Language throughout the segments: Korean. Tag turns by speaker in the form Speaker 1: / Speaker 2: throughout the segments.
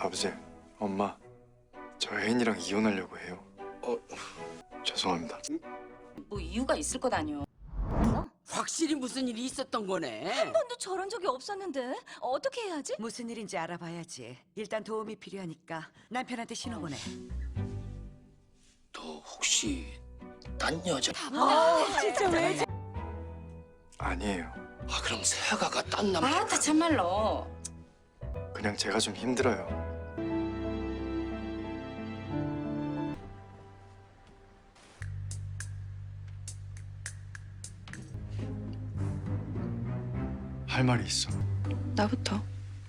Speaker 1: 아버지, 엄마, 저 혜인이랑 이혼하려고 해요. 죄송합니다.
Speaker 2: 뭐 이유가 있을 것 아니오.
Speaker 3: 확실히 무슨 일이 있었던 거네.
Speaker 4: 한 번도 저런 적이 없었는데 어떻게 해야지?
Speaker 5: 무슨 일인지 알아봐야지. 일단 도움이 필요하니까 남편한테 신호 보내.
Speaker 3: 너 혹시 딴 여자?
Speaker 5: 진짜 왜?
Speaker 1: 아니에요.
Speaker 3: 그럼 세아가가 딴 남자?
Speaker 2: 아따 참말로.
Speaker 1: 그냥 제가 좀 힘들어요. 할 말이 있어.
Speaker 6: 나부터.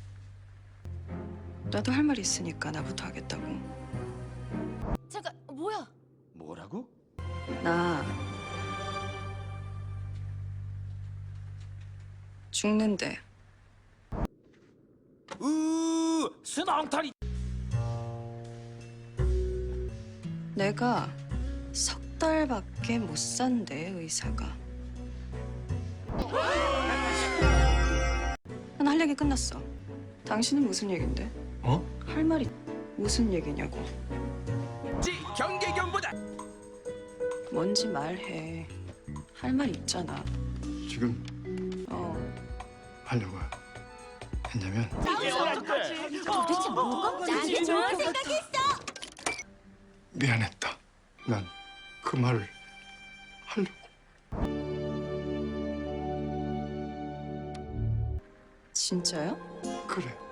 Speaker 6: 나도 할 말이 있으니까 나부터 하겠다고.
Speaker 4: 잠깐 뭐야?
Speaker 3: 뭐라고?
Speaker 6: 나 죽는데.
Speaker 3: 순앙탈이.
Speaker 6: 내가 석 달밖에 못 산대, 의사가. 난 할 얘기 끝났어. 당신은 무슨 얘긴데?
Speaker 1: 어?
Speaker 6: 할 말이 무슨 얘기냐고.
Speaker 3: 경계경보다.
Speaker 6: 뭔지 말해. 할 말 있잖아.
Speaker 1: 지금 하려고요. 했냐면
Speaker 4: 도대체 뭐가? 나는 좋은 생각했어.
Speaker 1: 미안했다. 난 그 말을 하려고.
Speaker 6: 진짜요?
Speaker 1: 그래.